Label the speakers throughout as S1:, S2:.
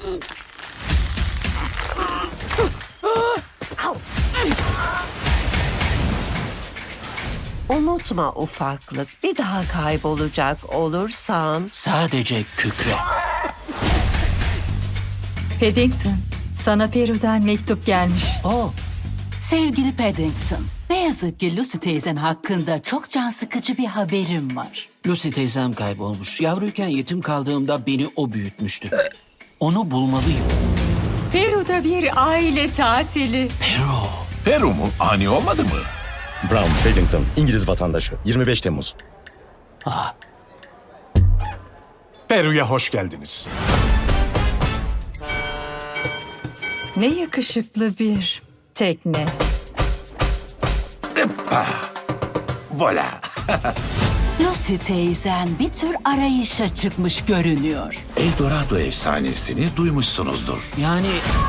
S1: Unutma ufaklık, bir daha kaybolacak olursan...
S2: Sadece kükre.
S3: Paddington, sana Peru'dan mektup gelmiş.
S2: Oh,
S4: Sevgili Paddington, ne yazık ki Lucy teyzen hakkında çok can sıkıcı bir haberim var.
S2: Lucy teyzem kaybolmuş. Yavruyken yetim kaldığımda beni o büyütmüştü. Onu bulmalıyım.
S3: Peru'da bir aile tatili.
S5: Peru mu? Ani olmadı mı?
S6: Brown Paddington, İngiliz vatandaşı. 25 Temmuz.
S7: Peru'ya hoş geldiniz.
S3: Ne yakışıklı bir tekne.
S5: Vola.
S4: Lucy teyzen bir tür arayışa çıkmış görünüyor.
S5: Eldorado efsanesini duymuşsunuzdur.
S2: Yani...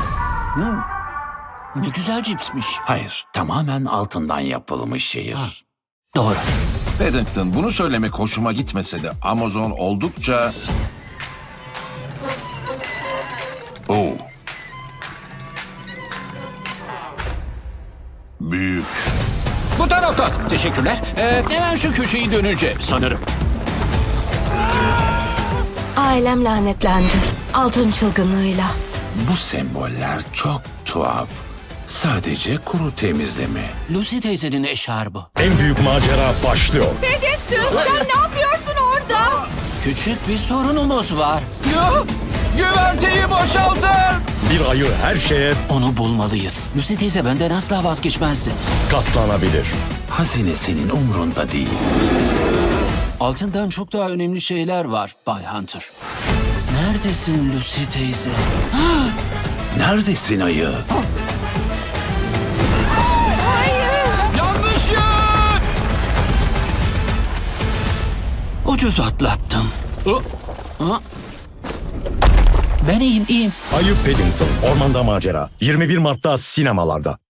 S2: Ne güzel cipsmiş.
S5: Hayır, tamamen altından yapılmış şehir.
S2: Doğru.
S5: Paddington, bunu söylemek hoşuma gitmese de Amazon oldukça... Oo. Büyük.
S2: Bu taraftan. Teşekkürler. Hemen şu köşeyi dönünce sanırım.
S8: Ailem lanetlendi. Altın çılgınlığıyla.
S5: Bu semboller çok tuhaf. Sadece kuru temizleme.
S2: Lucy teyzenin eşarbı.
S6: En büyük macera başlıyor.
S3: Paddington, sen ne yapıyorsun orada?
S2: Küçük bir sorunumuz var. Güverteyi boşaltın.
S6: Bir ayı her şeye
S2: Onu bulmalıyız. Lucy teyze benden asla vazgeçmezdi.
S6: katlanabilir.
S5: Hazine senin umrunda değil.
S2: Altından çok daha önemli şeyler var Bay Hunter. Neredesin Lucy teyze?
S5: Neredesin ayı?
S2: Yanlış yer! Ucuz atlattım. Ben iyiyim.
S6: Ayı Paddington, ormanda macera. 21 Mart'ta sinemalarda.